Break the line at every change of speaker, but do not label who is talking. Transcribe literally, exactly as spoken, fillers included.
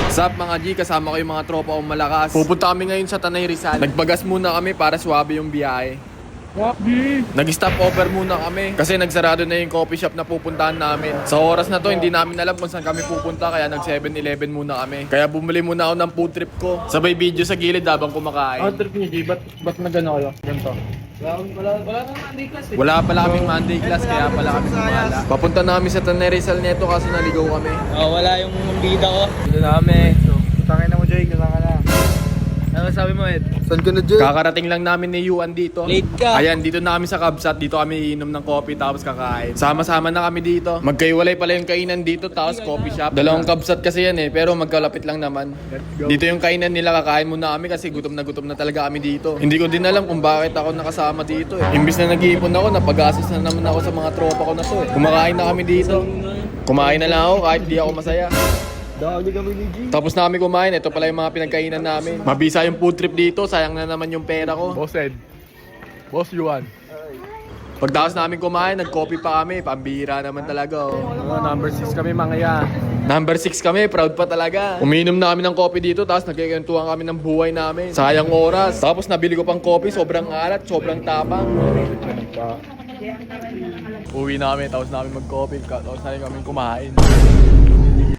Sup mga G, kasama ko yung mga tropa kong malakas. Pupunta kami ngayon sa Tanay Rizal. Nagbagas muna kami para swabe yung biyahe. Nag-stop over muna kami kasi nagsarado na yung coffee shop na pupuntahan namin. Sa oras na to, hindi namin alam kung saan kami pupunta, kaya nag seven eleven muna kami. Kaya bumili muna ako ng food trip ko. Sabay video sa gilid habang kumakain.
Ang trip niyo, G, ba't, ba't na gano'n kayo? Ganito.
Wala, wala, wala nang Monday class eh.
Wala pala kaming Monday class, kaya pala kami kumala. Papunta na kami sa Tanay Rizal neto kasi naligaw kami.
Oh, wala yung bida ko.
Dito na kami. So, tangin na mo, Jay. Kasama ka na.
Ano sabi mo, Ed?
Saan ka na, Jay?
Kakarating lang namin ni Yuan dito.
Late ka.
Ayan, dito na kami sa Kabsat. Dito kami iinom ng coffee tapos kakain. Sama-sama na kami dito. Magkaiwalay pala yung kainan dito tapos coffee shop. Dalawang Kabsat kasi yan eh, pero magkalapit lang naman. Dito yung kainan nila, kakain muna kami kasi gutom na gutom na talaga kami dito. Hindi ko din alam kung bakit ako nakasama dito eh. Imbis na nag-iipon ako, napag-assist na naman ako sa mga tropa ko na to eh. Kumakain na kami dito. Kumain na lang ako kahit di ako masaya.
Dali kami ni G.
Tapos na kami kumain, ito pala yung mga pinagkainan namin. Mabisa yung food trip dito, sayang na naman yung pera ko.
Boss Ed. Boss Yuan.
Pagdaos namin kumain, nag-coffee pa kami, pambira naman talaga oh.
Oh, number six kami, mga ya.
Number six kami, proud pa talaga. Uminom na kami ng coffee dito, tapos nagkikentuhan kami ng buhay namin. Sayang oras. Tapos nabili ko pang coffee, sobrang alat, sobrang tapang. Uwi namin, tapos namin mag-coffee, tapos na rin kami kumain.